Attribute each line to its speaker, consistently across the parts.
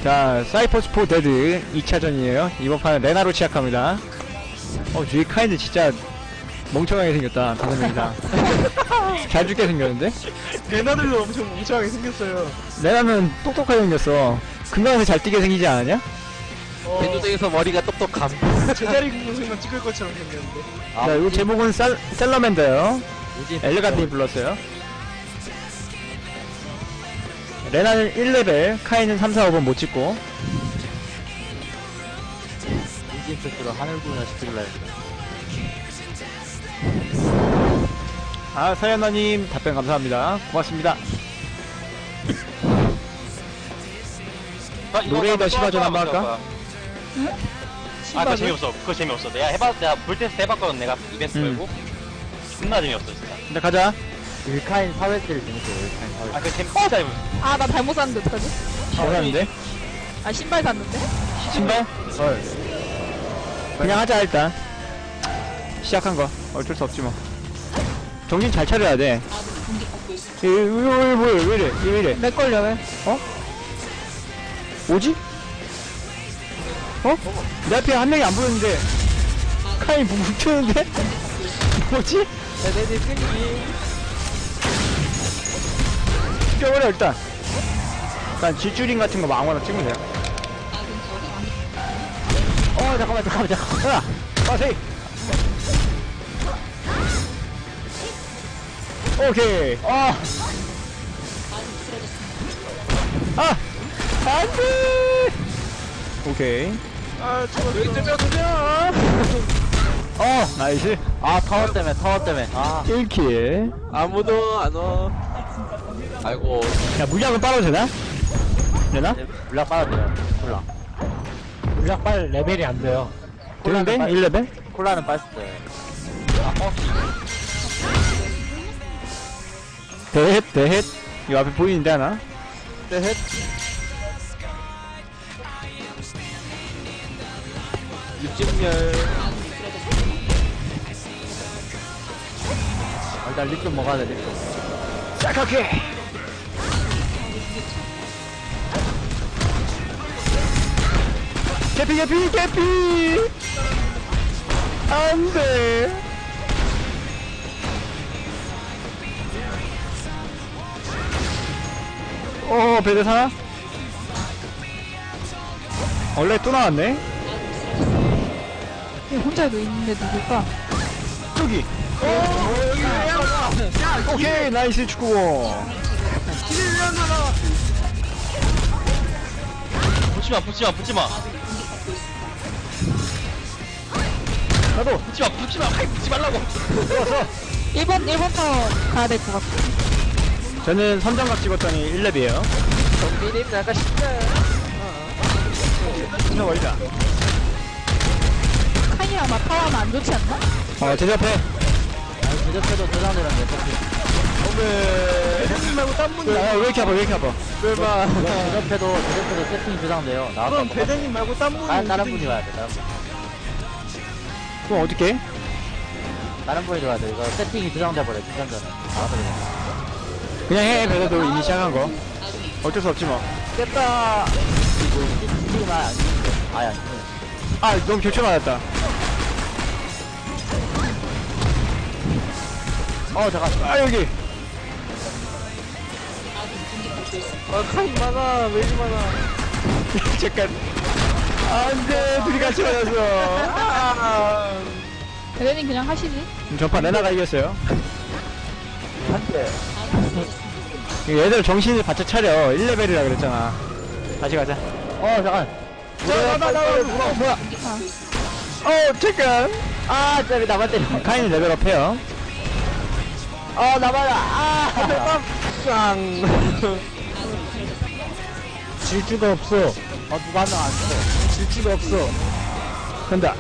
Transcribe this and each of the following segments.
Speaker 1: 자, 사이퍼스포 데드 2차전이에요. 이번 판은 레나로 시작합니다. 뒤에 카인드 진짜 멍청하게 생겼다. 5명이다. 잘 죽게 생겼는데?
Speaker 2: 레나들도 엄청 멍청하게 생겼어요.
Speaker 1: 레나는 똑똑하게 생겼어. 금강에서 잘 뛰게 생기지 않았냐?
Speaker 3: 대조등에서 머리가 똑똑함.
Speaker 2: 제자리 굽는 순간 찍을 것처럼 생겼는데.
Speaker 1: 자, 이거 제목은 셀러맨더요. 엘레가드이 불렀어요. 레나는 1레벨, 카이는 3, 4, 5번 못 찍고.
Speaker 3: 인진 패스로 하늘 구현을 시키려 했는데.
Speaker 1: 사연아님 답변 감사합니다. 고맙습니다. 노래이더 시바전 한번 할까?
Speaker 4: 응? 아, 그거 재미없어. 그거 재미없어. 내가 볼 테스트 해봤거든. 내가 이벤트 걸고. 존나 재미없어, 진짜.
Speaker 1: 근데 가자.
Speaker 3: 일카인 사회질 재밌어요. 일카인 사회질.
Speaker 4: 아, 그 재밌어. 재미없어.
Speaker 5: 아, 나 잘못 샀는데 어떡하지?
Speaker 1: 잘하는데?
Speaker 5: 아, 신발 샀는데?
Speaker 1: 신발? 그냥 하자 일단. 시작한 거 어쩔 수 없지 뭐. 정신 잘 차려야 돼. 뭐야? 왜 이래? 왜 이래?
Speaker 5: 내 걸려, 왜?
Speaker 1: 뭐지? 내 앞에 한 명이 안 보였는데 카이 뭉쳤는데? 뭐지?
Speaker 3: 대대지 끊기.
Speaker 1: 죽여버려 일단. 일단 질주링 같은 거 아무거나 찍으면 돼요. 잠깐만. 야! 빠세이! 오케이. 안돼. 오케이. 나이스.
Speaker 3: 타워 때문에.
Speaker 1: 1킬.
Speaker 3: 아무도 안 와. 아이고.
Speaker 1: 야, 물약은 빨아도 되나? 되나?
Speaker 3: 물약 빨아도 돼요. 콜라. 물약 빨 레벨이 안 돼요.
Speaker 1: 되는데? 1레벨?
Speaker 3: 콜라는 빨았어요.
Speaker 1: 대헷. 이 앞에 보이는데 하나?
Speaker 3: 넷. 육즙열. 일단 립 좀 먹어야 돼, 립 좀.
Speaker 1: 짝하게! 개피! 안 돼! 배대 사나? 원래 또 나왔네?
Speaker 5: 혼자도 있는데 누굴까?
Speaker 1: 저기! 오케이! 나이스 축구공!
Speaker 4: 붙지마.
Speaker 1: 나도!
Speaker 4: 붙지마. 붙지 말라고.
Speaker 1: 좋았어!
Speaker 5: 1번 타워 가야 될 것 같아.
Speaker 1: 저는 선정각 찍었더니 1렙이에요.
Speaker 3: 정비님 약간 쉽다.
Speaker 1: 진짜 멀리다.
Speaker 5: 카이랑 막 타워하면 안 좋지 않나?
Speaker 1: 제접해.
Speaker 3: 제접해도 대단해란데,
Speaker 2: 대장님 말고 딴 분이.
Speaker 1: 왜 이렇게 아파?
Speaker 3: 제접해도 세팅이 저장돼요.
Speaker 2: 그럼 배대님 말고 딴 분이.
Speaker 3: 다른 분이 와야 돼, 다른 분.
Speaker 1: 그럼 어떡해?
Speaker 3: 다른 분이 들어야 돼. 이거 세팅이 저장돼버려, 중간 전에. 알아서 그냥.
Speaker 1: 그냥 해, 배대도 이미 시작한 거. 어쩔 수 없지 뭐.
Speaker 3: 깼다! 지금 안 죽는데. 아예 안 죽네.
Speaker 1: 너무 교체 맞았다.
Speaker 3: 잠깐.
Speaker 1: 여기.
Speaker 3: 카인 많아, 왜 이리 많아.
Speaker 1: 잠깐. 안 돼, 둘이 같이 맞았어.
Speaker 5: 대대님 그냥 하시지.
Speaker 1: 전판 레나가 이겼어요.
Speaker 3: 한 대.
Speaker 1: 얘들 정신을 바짝 차려. 1레벨이라 그랬잖아. 다시 가자.
Speaker 3: 잠깐.
Speaker 1: 뭐야. 잠깐.
Speaker 3: 저기 나만 때려.
Speaker 1: 카인은 레벨업 해요.
Speaker 3: 나만아. 질주가 없어. 누가 한 명 안 쳐. 질주가 없어.
Speaker 1: 간다.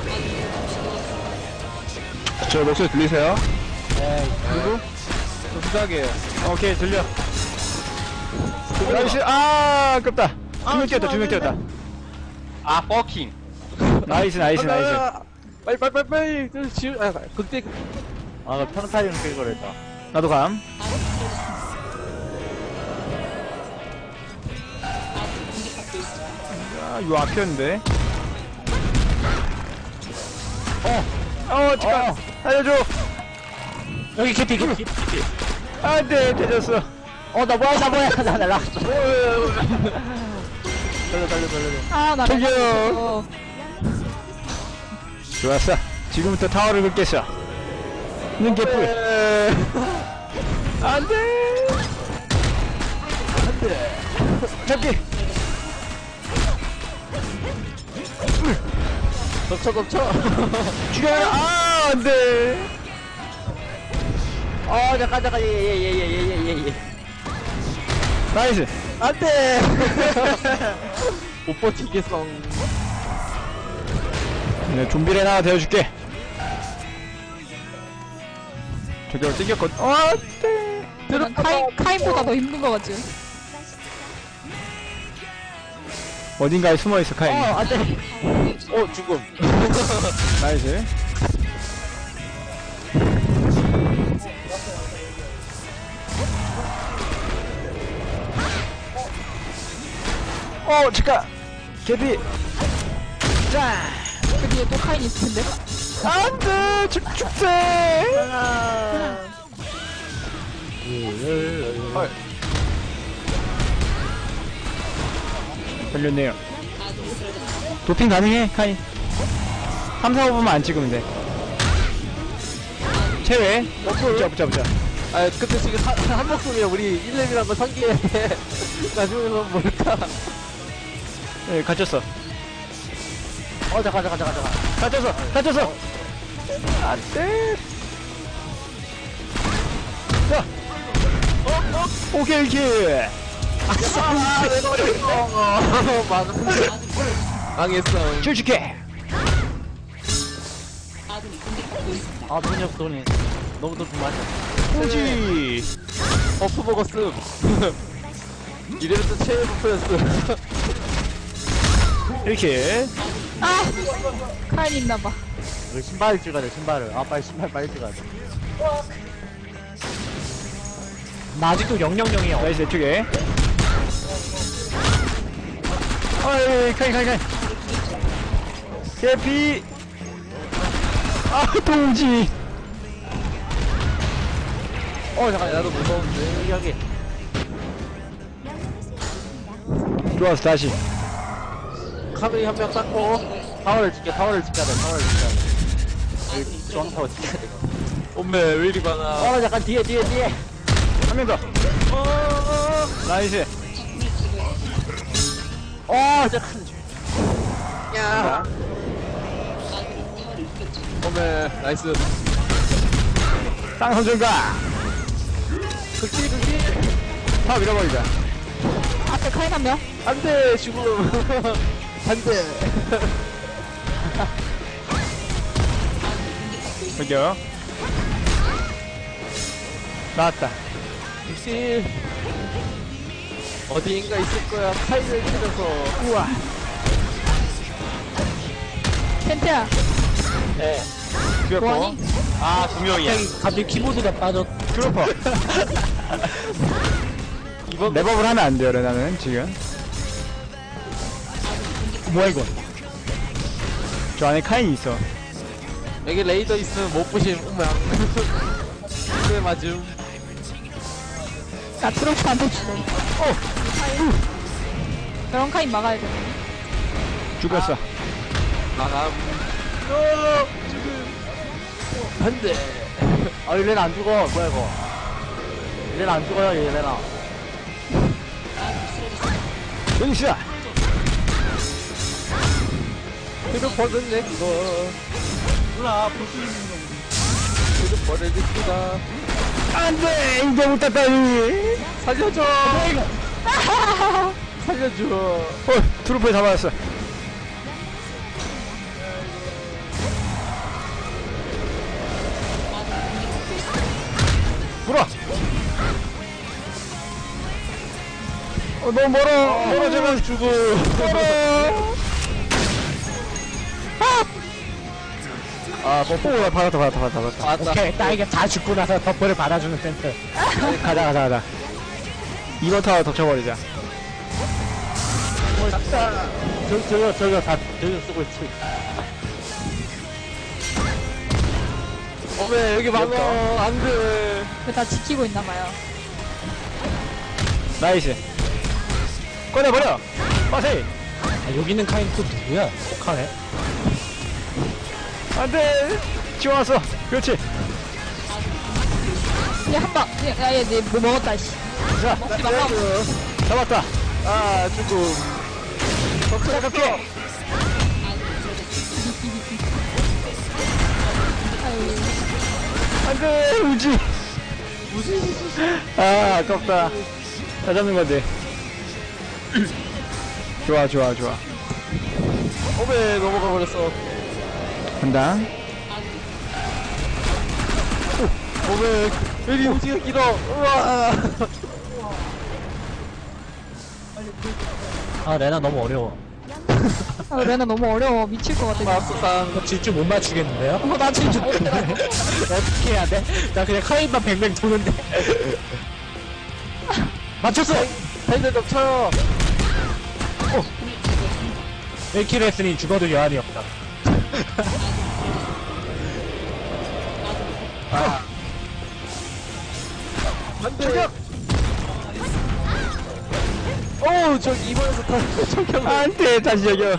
Speaker 1: 저 목소리 들리세요?
Speaker 3: 누구?
Speaker 1: 부탁이에요. 오케이, 들려. 나이스. 아깝다. 두 명 뛰었다.
Speaker 4: 버킹.
Speaker 1: 나이스.
Speaker 3: 빨리. 그때. 평타리는 끌고 그랬다.
Speaker 1: 나도 감. 아, 요 앞이었는데. 잠깐. 살려줘.
Speaker 3: 여기 캐피 캐피.
Speaker 1: 안 돼, 되졌어.
Speaker 3: 나 뭐야 나 날라갔어. 달려.
Speaker 5: 아, 나
Speaker 1: 저기요.
Speaker 5: 레나
Speaker 1: 좋았어. 지금부터 타워를 긁겠어. 는 개뿔. 안 돼. 잡기.
Speaker 3: 덮쳐.
Speaker 1: 죽여라. 안 돼.
Speaker 3: 잠깐 예.
Speaker 1: 나이스.
Speaker 3: 안 돼. 못 버티겠어.
Speaker 1: 네, 좀비 레나 되어줄게. 저기로 땡겼거든. 안 돼.
Speaker 5: 는 카인보다 더 힘든 거 같지?
Speaker 1: 어딘가에 숨어있어, 카인.
Speaker 3: 안 돼. 죽음.
Speaker 1: 나이스. 잠깐. 개비. 자.
Speaker 5: 그 뒤에 또 카인 있을 텐데.
Speaker 1: 안 돼. 죽세. 걸렸네요. 도핑 가능해, 카인. 3, 4, 5분만 안 찍으면 돼. 체외. 붙자.
Speaker 3: 근데 지금 한 목숨이야. 우리 1렙이란 거 상기해. 나중에는 뭘까?
Speaker 1: 예, 갇혔어.
Speaker 3: 잠깐.
Speaker 1: 갇혔어. 안 돼. 자. 오케이, 킬.
Speaker 3: 망했어.
Speaker 1: 킬축해.
Speaker 3: 돈이 없어, 돈이. 너무 돈 많이.
Speaker 1: 오지.
Speaker 3: 버프 먹었음. 이래서 최애 버프였음.
Speaker 1: 이렇게.
Speaker 5: 카인 있나봐.
Speaker 3: 우리 신발을 찍어야 돼, 신발을. 빨리 신발 빨리 찍어야 돼. 나 아직도 000이야.
Speaker 1: 나이스, 이쪽에. 카인. 개피. 동지.
Speaker 3: 잠깐, 나도 무서운데. 여기.
Speaker 1: 좋았어, 다시.
Speaker 3: 카드이 한 명 닦고. 타워를 지켜야 돼. 여기 중앙 타워 지켜야 돼.
Speaker 2: 엄매 왜 이리 많아.
Speaker 3: 잠깐, 뒤에.
Speaker 1: 한 명 더. 나이스.
Speaker 3: 잠깐. 야.
Speaker 2: 엄매 나이스.
Speaker 1: 쌍선전가.
Speaker 3: 극딜.
Speaker 1: 다 밀어버리자.
Speaker 5: 앞에 카인 한 명.
Speaker 3: 안 돼, 죽음. 안 돼.
Speaker 1: 저기요. 나왔다.
Speaker 3: 극딜. 어디인가 있을 거야. 카이를 찾아서.
Speaker 1: 우와.
Speaker 5: 텐트야.
Speaker 3: 네.
Speaker 1: 죽였고.
Speaker 5: 뭐하니?
Speaker 4: 2명이야.
Speaker 3: 갑자기 키보드가 빠졌.
Speaker 1: 드로퍼. 랩업을 하면 안 돼요, 레나는 지금. 뭐야 이거? 저 안에 카인이 있어.
Speaker 3: 여기 레이더 있으면 못 부심. 네, 맞음.
Speaker 5: 나 트로프한테 주네. 그런 카인 막아야 돼.
Speaker 1: 죽였어.
Speaker 3: 나감. 안 돼. 얘네는 안 죽어. 뭐야, 이거. 얘네는 안 죽어요, 얘네는.
Speaker 1: 여기 있어.
Speaker 3: 이거 버렸네, 그거.
Speaker 2: 몰라 볼수 있는 거.
Speaker 3: 이거 버려줍니다.
Speaker 1: 안돼, 이제 못 땄다니.
Speaker 3: 살려줘. 살려줘.
Speaker 1: 트루프에 잡아왔어. 물어. 너무 멀어. 멀어지면 죽어. 멀어. 뽀뽀. 받았다.
Speaker 3: 오케이, 딸기 다 죽고 나서 버프를 받아주는 센터.
Speaker 1: 가자. 이번 타워 덮쳐버리자.
Speaker 3: 저기요 다 저기요 쓰고 있지.
Speaker 2: 어메 여기 막어 안돼.
Speaker 5: 다 지키고 있나봐요.
Speaker 1: 나이스. 꺼내버려. 빠세.
Speaker 3: 아, 여기 있는 카인 또 누구야? 혹하네.
Speaker 1: 안돼. 지워놨어. 그렇지.
Speaker 5: 그냥 한 방. 야, 얘, 뭐 먹었다, 씨.
Speaker 1: 자,
Speaker 5: 먹지 말라.
Speaker 1: 잡았다.
Speaker 2: 아 조금.
Speaker 1: 시작할게.
Speaker 5: 아유,
Speaker 1: 안돼. 우지. 아, 아깝다. 다 잡는 건데. 좋아, 좋아, 좋아.
Speaker 2: 어메 넘어가 버렸어.
Speaker 1: 간다.
Speaker 2: 어메 여기 우지가 길어. 우와.
Speaker 3: 아 레나 너무 어려워.
Speaker 5: 아, 레나 너무 어려워. 미칠 것 같아.
Speaker 2: 마스상.
Speaker 3: 질줄 못 맞추겠는데요?
Speaker 5: 나 진짜 못해.
Speaker 3: 어떻게 해야 돼? 나 그냥 카인만 뱅뱅 도는데. 맞췄어!
Speaker 2: 팬들 좀 쳐요.
Speaker 3: 1킬 했으니 죽어도 여한이 없다.
Speaker 2: 안돼. 오 저기 이번에서 다 저기
Speaker 1: 안돼. 다시 저기요.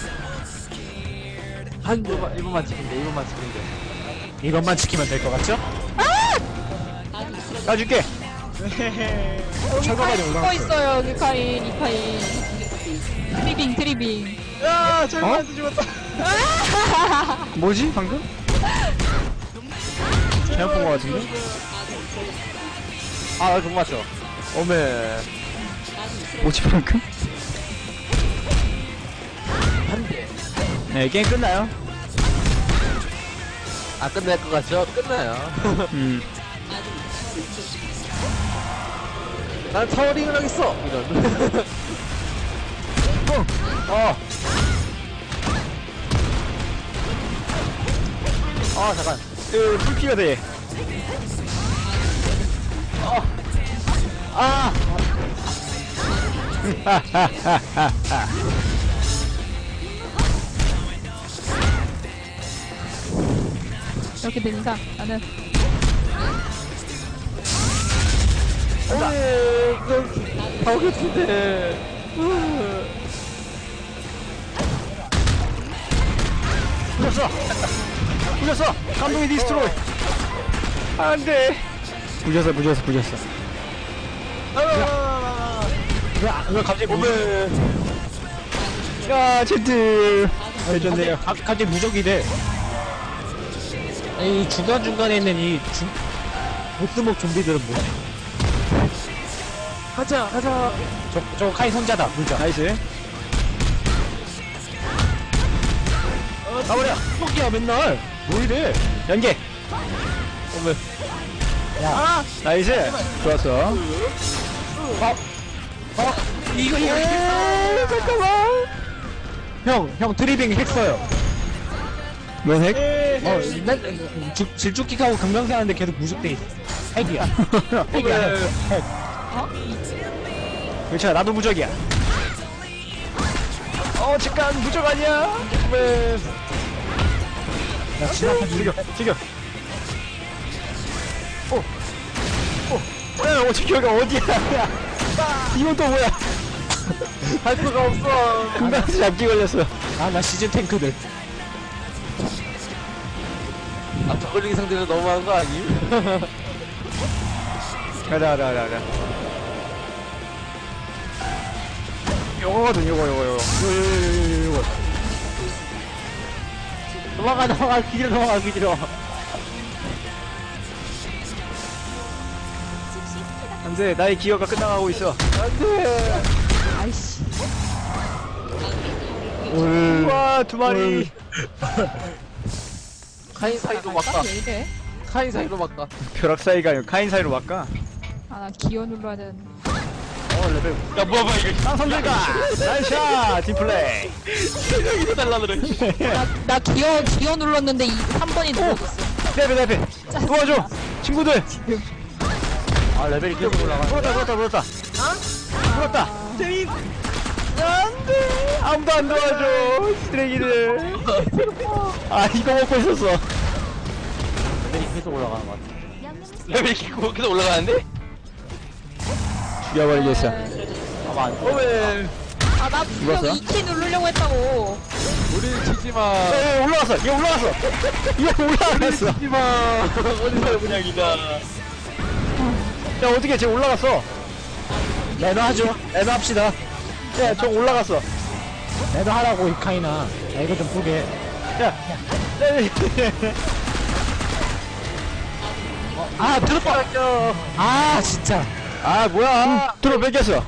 Speaker 2: 한 이번만 지키면 돼. 이번만 지키면 돼.
Speaker 3: 이것만 지키면 될 것 같죠?
Speaker 1: 가줄게.
Speaker 3: 철거까지
Speaker 5: 또
Speaker 3: 올라갔어.
Speaker 5: 있어요, 여기 카인, 이 카인. 트리빙, 트리빙.
Speaker 2: 야 저기한테 죽었다.
Speaker 1: 뭐지 방금? 잘못 본 거 같은데?
Speaker 2: 아 종 맞죠. 어메.
Speaker 1: 뭐지 방금?
Speaker 2: 한대.
Speaker 1: 네 게임 끝나요.
Speaker 2: 아 끝날 것 같죠? 끝나요. 난 타워링을 하겠어. 이런.
Speaker 3: 잠깐.
Speaker 1: 풀피가 돼.
Speaker 5: 이렇게 되니까 나는
Speaker 2: 어메 이건 타워겠는데.
Speaker 1: 부셨어. 부셨어. 감동이 디스트로이. 안돼. 부셨어.
Speaker 3: 왜 갑자기
Speaker 2: 어메.
Speaker 1: 야 제트. 해줬네요.
Speaker 3: 갑자기 무적이 돼. 이 중간중간에 있는 이 보스목 좀비들은 뭐지?
Speaker 2: 가자.
Speaker 3: 저 카인 손자다. 물자.
Speaker 1: 나이스.
Speaker 3: 가버려. 뻑이야 맨날. 뭐 이래?
Speaker 1: 연계.
Speaker 2: 어메.
Speaker 3: 야.
Speaker 1: 나이스. 좋았어.
Speaker 3: 이거. 잠깐만. 형 트리빙 핵써요.
Speaker 1: 뭔 핵?
Speaker 3: 질주킥하고 금강산하는데 계속 무적돼 있어. 핵이야. 핵이야. 핵.
Speaker 1: 괜찮아. 나도 무적이야. 잠깐 무적 아니야. 왜?
Speaker 3: 야 지나쳐
Speaker 1: 지금. 지켜가 어디야? 이건 또 뭐야?
Speaker 2: 할 수가 없어.
Speaker 1: 금방에서 잡기 걸렸어.
Speaker 3: 아나 시즌 탱크들.
Speaker 2: 아 저글링 상대는 너무한 거 아님?
Speaker 1: 가자. 요거거든, 요거.
Speaker 3: 넘어가 기지로.
Speaker 1: 안 돼, 나의 기어가 끝나가고 있어.
Speaker 2: 안돼.
Speaker 5: 아이씨.
Speaker 1: 우와, 두 마리.
Speaker 2: 카인 사이로 막가.
Speaker 5: 왜 이래?
Speaker 2: 카인 사이로 막가.
Speaker 1: 벼락 사이가 아니고 카인 사이로 막가.
Speaker 5: 아, 나 기어 눌러야 되는데.
Speaker 2: 레벨.
Speaker 4: 야 뭐야 이거
Speaker 1: 쌍선들가! 나이스샷! 팀플레이!
Speaker 4: 이거 달라 그래.
Speaker 5: 나 기어 눌렀는데 3번이 눌러졌어.
Speaker 1: 내 앞에! 도와줘! 친구들!
Speaker 3: 아 레벨이 계속 올라가.
Speaker 1: 물었다! 재민! 안돼 아무도 안 도와줘 쓰레기들. 아 이거 먹고 있었어.
Speaker 3: 레벨이 계속 올라가는 것 같아.
Speaker 4: 레벨이 계속 올라가는데?
Speaker 1: 죽여버리겠어.
Speaker 3: 아마 안 돼.
Speaker 2: 오메
Speaker 5: 아, 나 분명
Speaker 1: 눌렀어?
Speaker 5: 2키 누르려고 했다고.
Speaker 2: 우리를 치지마.
Speaker 1: 에 올라갔어. 이거 올라갔어. 이거 올라갔어.
Speaker 2: 치지마. 어디서 그냥이다.
Speaker 1: 야 어떻게 쟤 올라갔어.
Speaker 3: 매너 하죠. 매너 합시다.
Speaker 1: 야 저 올라갔어.
Speaker 3: 매너 하라고 이카이나. 야 이거 좀 보게.
Speaker 1: 야.
Speaker 3: 아 들어봐. 아 진짜.
Speaker 1: 아 뭐야. 들어 뺏겼어.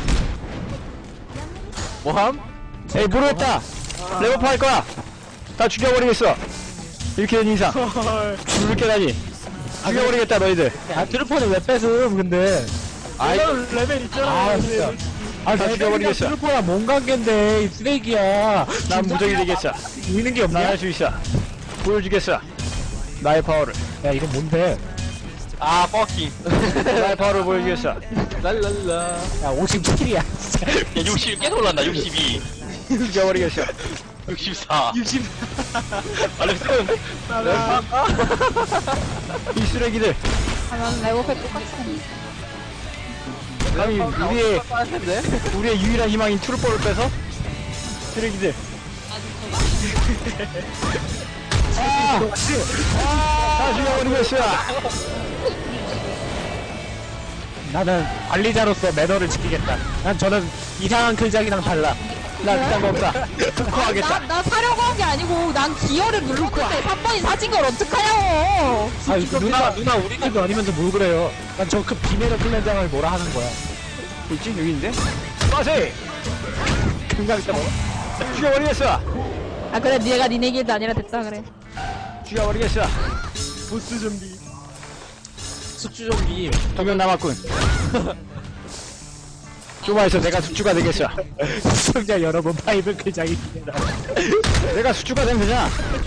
Speaker 2: 뭐함?
Speaker 1: 에이 모르겠다. 레버프 할 거야. 다 죽여버리겠어. 이렇게 된 이상. 죽을 게다니. 죽여버리겠다 너희들.
Speaker 3: 아 트루퍼는 왜 뺏음 근데.
Speaker 1: 아이
Speaker 3: 레벨 있잖아. 아 진짜. 아
Speaker 1: 다 죽여버리겠어.
Speaker 3: 트루퍼랑 뭔 관계인데 이 쓰레기야.
Speaker 1: 난 무적이 되겠어.
Speaker 3: 보이는 게
Speaker 1: 난
Speaker 3: 없냐?
Speaker 1: 할 수 있어. 보여주겠어. 나의 파워를.
Speaker 3: 야 이건 뭔데?
Speaker 4: 아, 퍼킹.
Speaker 1: 나의 파워를 보여주겠어.
Speaker 2: 랄랄라.
Speaker 3: 야 57이야. 진짜.
Speaker 4: 야, 60 계속 올라간다, 62.
Speaker 1: 죽여버리겠어.
Speaker 4: 64. 60. 아, 렉 세우는데?
Speaker 1: 이 쓰레기들.
Speaker 5: 아, 난 레고팩 똑같이
Speaker 1: 감히 우리의
Speaker 2: 빠졌는데?
Speaker 1: 우리의 유일한 희망인 트루퍼를 빼서 쓰레기들. 다 죽여버리겠어.
Speaker 3: 나는 관리자로서 매너를 지키겠다. 난 저는 이상한 글작이랑 달라.
Speaker 1: 나 그딴 거 없다. 특허하겠다.
Speaker 5: 나 사려고 한 게 아니고, 난 기어를 눌렀는데 3번이 사진 걸 어떡하냐고.
Speaker 3: 아 누나 우리 집도 아니면서 뭘 그래요? 난 저 그 비매너 클렌장을 뭐라 하는 거야.
Speaker 1: 있지? 여기 있는데? 빠세!
Speaker 3: 금방 있다 뭐.
Speaker 1: 죽여버리겠어.
Speaker 5: 아, 그래, 니가 니네 길도 아니라 됐다, 그래.
Speaker 1: 죽여버리겠어.
Speaker 3: 보스 좀비. 숙주 좀비.
Speaker 1: 2명 남았군. 좀만 있어. 내가 숙주가 되겠어.
Speaker 3: 시청자 여러분 파이브 글작입니다.
Speaker 1: 내가 숙주가 되면 되잖아.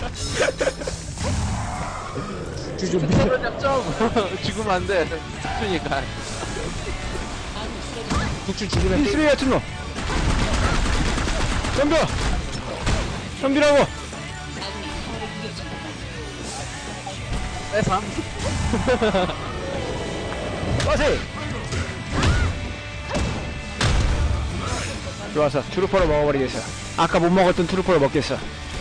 Speaker 3: 숙주 좀비.
Speaker 2: 잡점. 죽으면 안 돼. 죽으니까.
Speaker 3: 숙주 죽으면
Speaker 1: 이
Speaker 3: 또
Speaker 1: 쓰레기 같은 놈. 덤벼! 덤비라고!
Speaker 2: 빼삼.
Speaker 1: 빠세! 좋았어. 트루퍼를 먹어버리겠어. 아까 못 먹었던 트루퍼를 먹겠어.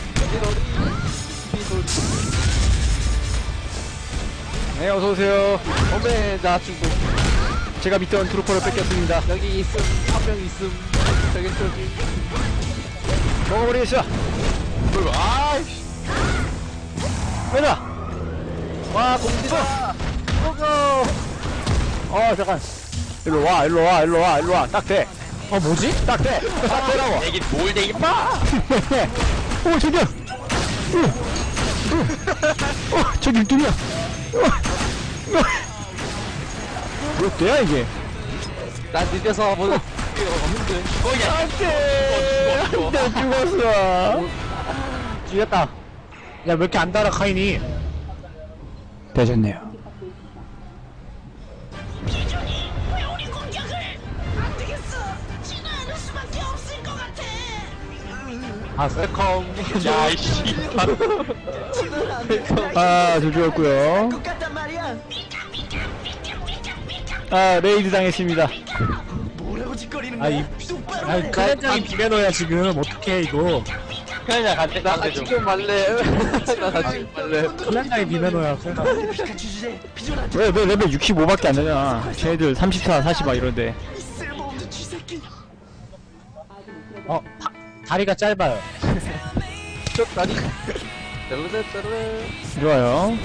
Speaker 1: 네, 어서오세요.
Speaker 2: 오메 나 죽고.
Speaker 1: 제가 믿던 트루퍼를 뺏겼습니다.
Speaker 2: 여기 있음. 한 명 있음. 저기.
Speaker 1: 먹어버리겠어.
Speaker 2: 아이씨.
Speaker 1: 왜나?
Speaker 2: 와 공지다. 고고.
Speaker 1: 잠깐. 일로 와, 일로 와, 일로 와, 일로 와. 딱 돼.
Speaker 3: 뭐지?
Speaker 1: 딱 돼. 딱 되라고.
Speaker 4: 내게 뭘 되게 봐!
Speaker 1: 오, 저기야. 저기 뚱이야. 몇 대야, 이게?
Speaker 2: 난 늦어서 뭐 없는데.
Speaker 4: 거기야!
Speaker 1: 안 돼. 나 죽었어.
Speaker 3: 죽였다. 야 왜 이렇게 안 달아 카인이?
Speaker 1: 되셨네요.
Speaker 6: 왜 우리 공격을 안 되겠어. 진화하는 수밖에 없을 것 같아.
Speaker 3: 아 셀컴.
Speaker 4: 야, 이씨.
Speaker 1: 저 죽었고요.
Speaker 6: 똑같단 말이야.
Speaker 1: 레이드 당했습니다.
Speaker 6: 뭐라고 짓거리는
Speaker 3: 아이 클렌장이 비매너야 지금 어떡해 이거.
Speaker 4: 그냥 간대,
Speaker 2: 나
Speaker 4: 간대 좀.
Speaker 2: 지금 말래. 나 지금 말래.
Speaker 3: 클렌장이 비매너야.
Speaker 6: 피카츄 주제. 비존한
Speaker 1: 왜 레벨 65밖에 안 되잖아. 쟤네들 34, 40 막 이런데.
Speaker 6: 쓸모없는 쥐새끼.
Speaker 3: 다리가 짧아요.
Speaker 2: 쪽 다리. 따르르따르르.
Speaker 1: 좋아요.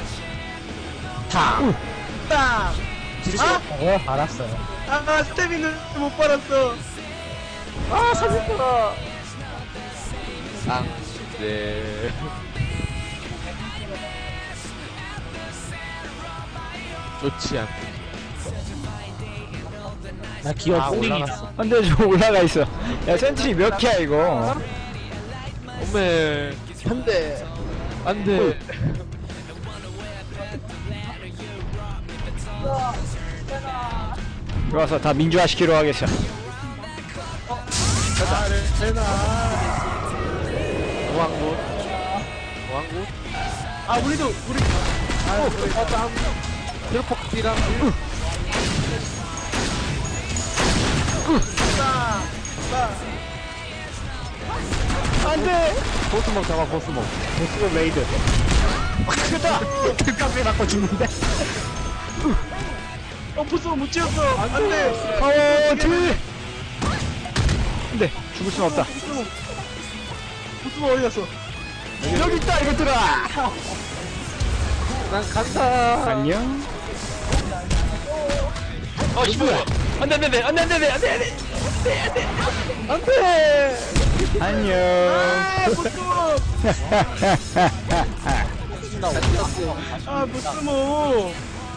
Speaker 3: 지르시겠다고요? 알았어요.
Speaker 2: 아 스태미는 못 빨았어. 아 살렸더라. 네. 좋지 않고.
Speaker 3: 나 기어 뽕이야.
Speaker 1: 안돼, 저 올라가 있어. 야, 센트리 몇 개야, 이거?
Speaker 2: 오메 안돼 안돼.
Speaker 1: 좋아서 다 민주화 시키러 하겠어.
Speaker 2: 오왕군. 오왕군.
Speaker 3: 아 우리도 우리
Speaker 2: 땀. 트로폭디랑.
Speaker 1: 안돼.
Speaker 3: 보스목 잡아 보스목.
Speaker 1: 보스로 레이드. 크다. 등값에 맞고 죽는데.
Speaker 3: 보스목 못 지었어. 안돼.
Speaker 1: 파워트. 근데 죽을 순 없다.
Speaker 3: 보스목 어디 갔어?
Speaker 1: 여기 있다 이것들아.
Speaker 2: 난 간다.
Speaker 1: 안녕.
Speaker 4: 씨발. 안돼 안돼 안돼 안돼 안돼 안돼.
Speaker 3: 안돼.
Speaker 1: 안녕.
Speaker 3: 보스목. 아 보스목.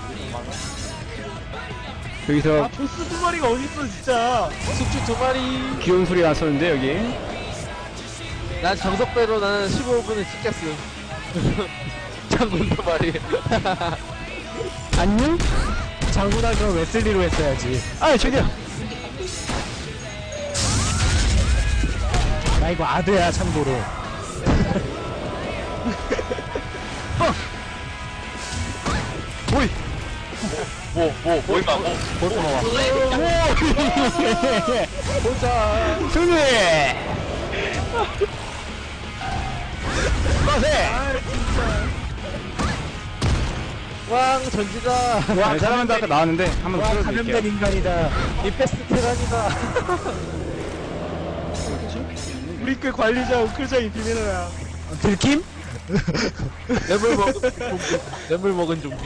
Speaker 1: 여기서
Speaker 3: 보스 두 마리가 어디 있어 진짜.
Speaker 2: 숙주 2마리.
Speaker 1: 귀여운 소리 났었는데 여기.
Speaker 2: 난 정석대로 나는 15분을 찍겠어. 장군 2마리.
Speaker 1: 안녕.
Speaker 3: 장군아 그럼 웨슬리로 했어야지.
Speaker 1: 아 저기요.
Speaker 3: 나 이거 아드야 참고로.
Speaker 1: 오이.
Speaker 4: 뭐 임마 뭐.
Speaker 1: 보스 먹어. 보자. 승리. 빠세.
Speaker 2: 왕 전지다.
Speaker 1: 와, 사람한테 아까 나왔는데 한번
Speaker 3: 와
Speaker 1: 틀어드릴게요.
Speaker 3: 감염된 인간이다.
Speaker 2: 이 패스트 테란이다.
Speaker 3: 우리 꽤 관리자 우클장이 비밀어야. 들킴?
Speaker 2: 뇌물 먹은 좀비. 뇌물 먹은 좀비.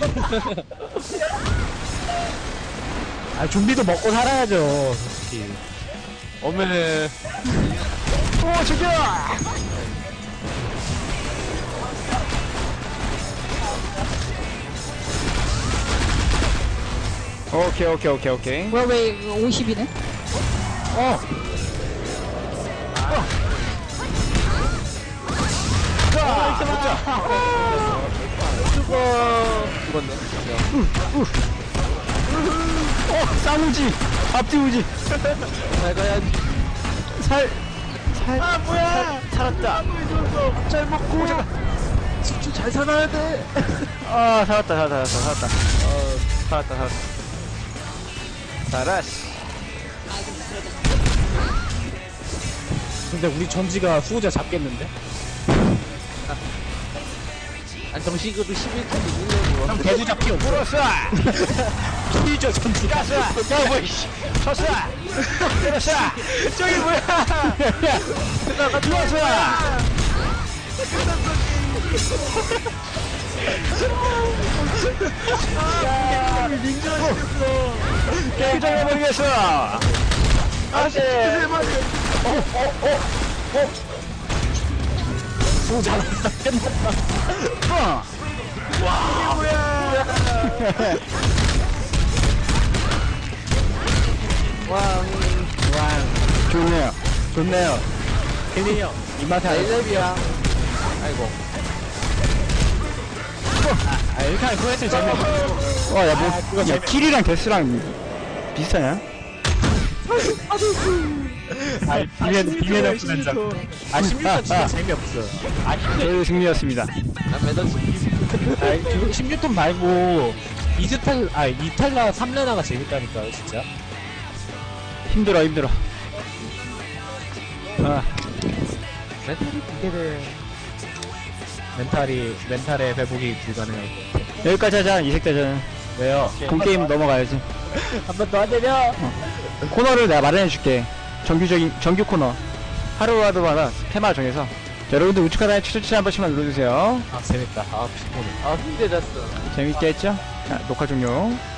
Speaker 3: 아 좀비도 먹고 살아야죠. 솔직히.
Speaker 2: 어메.
Speaker 1: 오, 저기요. 오케이.
Speaker 5: 뭐야, 왜 이거 50이네?
Speaker 2: 죽었네.
Speaker 1: 쌍우지. 앞뒤 우지.
Speaker 2: 잘 가야지.
Speaker 3: 아 뭐야?
Speaker 1: 살았다.
Speaker 3: 잘 먹고.
Speaker 2: 숙주 잘 살아야 돼.
Speaker 1: 아, 살았다. 살았다. 살았어.
Speaker 3: 근데 우리 전지가 수호자 잡겠는데?
Speaker 2: 안 정식으로 11분 이기려고.
Speaker 3: 그럼 대구 잡기 없어.
Speaker 1: 불었어.
Speaker 3: 피죠 전지가.
Speaker 1: 가스. 야, 뭐 이씨. 쳤어. 때렸어. 저기 뭐야?
Speaker 3: 끝나가
Speaker 1: 죽었어. 게임 정해버리겠어. 안돼.
Speaker 3: 수호자 끝났다.
Speaker 1: 좋네요.
Speaker 3: 힐리 형 입맛에 안
Speaker 2: 레이랩이야. 아이고.
Speaker 3: 아 이렇게 하면 그거 재미없어.
Speaker 1: 야, 뭐, 야, 킬이랑 데스랑 비슷하냐?
Speaker 3: 아 비면 없으면 장. 아 16단 진짜 재미없어.
Speaker 1: 저희 승리였습니다.
Speaker 2: 난 매달
Speaker 3: 아 16돈 말고 이탈라 3레나가 재밌다니까요 진짜.
Speaker 1: 힘들어. 아,
Speaker 2: 멘탈이 두개를.
Speaker 3: 멘탈의 회복이 불가능할 것 같아.
Speaker 1: 여기까지 하자, 이색대전.
Speaker 3: 왜요?
Speaker 1: 본게임 넘어가야지.
Speaker 3: 한 번 더 안 되냐?
Speaker 1: 코너를 내가 마련해줄게. 정규 코너. 하루하루마다 테마 정해서. 자, 여러분들 우측 하단에 추천치 한 번씩만 눌러주세요.
Speaker 3: 아 재밌다. 아 피곤해.
Speaker 2: 아, 힘들었어.
Speaker 1: 재밌게 했죠? 자, 녹화 종료.